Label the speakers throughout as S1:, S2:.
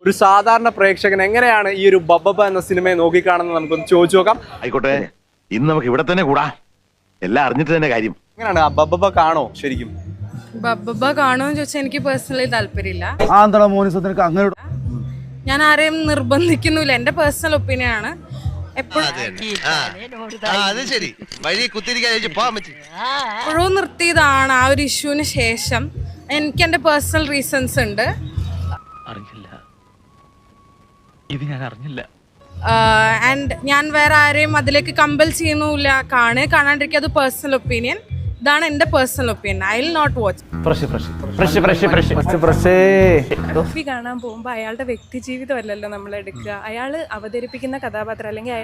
S1: ഒരു സാധാരണ പ്രേക്ഷകൻ എങ്ങനെയാണ് ഈ ഒരു ബബ്ബബ എന്ന സിനിമയെ നോക്കിക്കാണുന്നത് നമുക്കൊന്ന് ചോദിച്ചു നോക്കാം.
S2: ആയിക്കോട്ടെ, ഇന്ന് നമുക്ക് ഇവിടെ തന്നെ കൂടാ. എല്ലാം അറിഞ്ഞിട്ട് തന്നെ കാര്യം.
S1: എങ്ങനെയാണ് ആ ബബ്ബബ കാണോ? ശരിക്കും
S3: ബബ്ബബ കാണുമെന്ന് ചോദിച്ചാൽ എനിക്ക് പേഴ്സണലി താല്പര്യമില്ല.
S4: അങ്ങനെ
S3: ഞാൻ ആരെയും നിർബന്ധിക്കുന്നില്ല, എന്റെ പേഴ്സണൽ ഒപ്പീനിയൻ ആണ്. എപ്പോഴും നിർത്തിയതാണ് ആ ഒരു ഇഷ്യൂവിന് ശേഷം. എനിക്ക് എന്റെ പേഴ്സണൽ റീസൺസ് ഉണ്ട്. ആൻഡ് ഞാൻ വേറെ ആരെയും അതിലേക്ക് കമ്പൽ ചെയ്യുന്നില്ല. കാണാണ്ടിരിക്കുക, അത് പേഴ്സണൽ ഒപ്പീനിയൻ. ഇതാണ് എന്റെ personal opinion. I will not watch.
S5: Movie കാണാൻ പോകുമ്പോൾ അയാളുടെ വ്യക്തി ജീവിതമല്ലല്ലോ നമ്മൾ എടുക്കുക. അയാൾ അവതരിപ്പിക്കുന്ന കഥാപാത്രം അല്ലെങ്കിൽ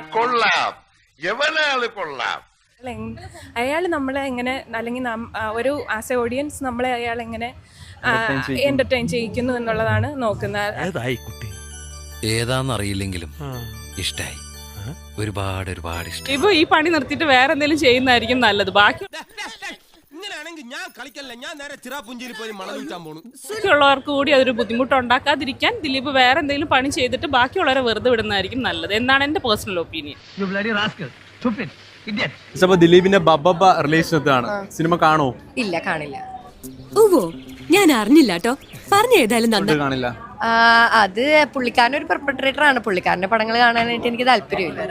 S5: അയാൾ നമ്മളെ എങ്ങനെ, അല്ലെങ്കിൽ ഒരു ആസ് എ ഓഡിയൻസ് നമ്മളെ അയാൾ എങ്ങനെ എന്റർടൈൻ ചെയ്യിക്കുന്നു എന്നുള്ളതാണ് നോക്കുന്നത്.
S6: ഏതാന്നറിയില്ലെങ്കിലും ഇഷ്ടായി, ഒരുപാട് ഒരുപാട് ഇഷ്ടം.
S7: ഇപ്പൊ ഈ പണി നിർത്തിയിട്ട് വേറെ എന്തെങ്കിലും ചെയ്യുന്നതായിരിക്കും നല്ലത്. ബാക്കിയുള്ളവർക്ക് കൂടി അതൊരു ബുദ്ധിമുട്ടുണ്ടാക്കാതിരിക്കാൻ ദിലീപ് വേറെ എന്തെങ്കിലും പണി ചെയ്തിട്ട് ബാക്കിയുള്ളവരെ വെറുതെ വിടുന്നതായിരിക്കും നല്ലത് എന്നാണ് എന്റെ പേഴ്സണൽ ഒപ്പീനിയൻ.
S1: ദിലീപിന്റെ ബബ്ബബ റിലേഷനാണ്. സിനിമ കാണോ?
S8: ഇല്ല, കാണില്ല.
S9: ഓവോ, ഞാൻ അറിഞ്ഞില്ല കേട്ടോ. പറഞ്ഞ ഏതായാലും
S1: കാണില്ല.
S8: അത് പുള്ളിക്കാരൻ ഒരു പെർപെട്രേറ്റർ ആണ്. പുള്ളിക്കാരന്റെ പടങ്ങൾ കാണാനായിട്ട് എനിക്ക് താല്പര്യമില്ല.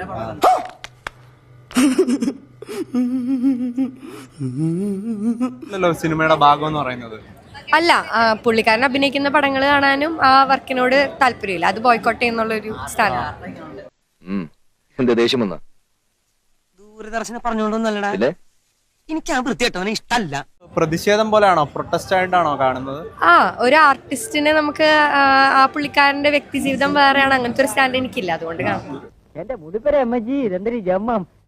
S1: സിനിമയുടെ ഭാഗം എന്ന് പറയുന്നത്
S8: അല്ല, പുള്ളിക്കാരൻ അഭിനയിക്കുന്ന പടങ്ങൾ കാണാനും ആ വർക്കിനോട് താല്പര്യമില്ല. അത് ബോയ്ക്കോട്ട് ചെയ്യുന്നുള്ളൊരു സ്ഥാനമാണ്.
S2: ദേഷ്യം വന്ന
S10: ദൂരദർശനം പറഞ്ഞോണ്ടൊന്നല്ലടാ, എനിക്ക് ആ വൃത്തിയായിട്ടവനെ ഇഷ്ടല്ല.
S1: പ്രതിഷേധം പോലെയാണോ, പ്രൊട്ടസ്റ്റ് ആയിട്ടാണോ കാണുന്നത്?
S8: ഒരു ആർട്ടിസ്റ്റിനെ നമുക്ക് ആ പുള്ളിക്കാരന്റെ വ്യക്തി ജീവിതം വേറെയാണ്. അങ്ങനത്തെ ഒരു സ്റ്റാൻഡ് എനിക്കില്ല, അതുകൊണ്ട് കാണുന്നു.
S10: എന്റെ മുടിപ്പര അമ്മജി ഇതെന്തൊരു ജമ്മം.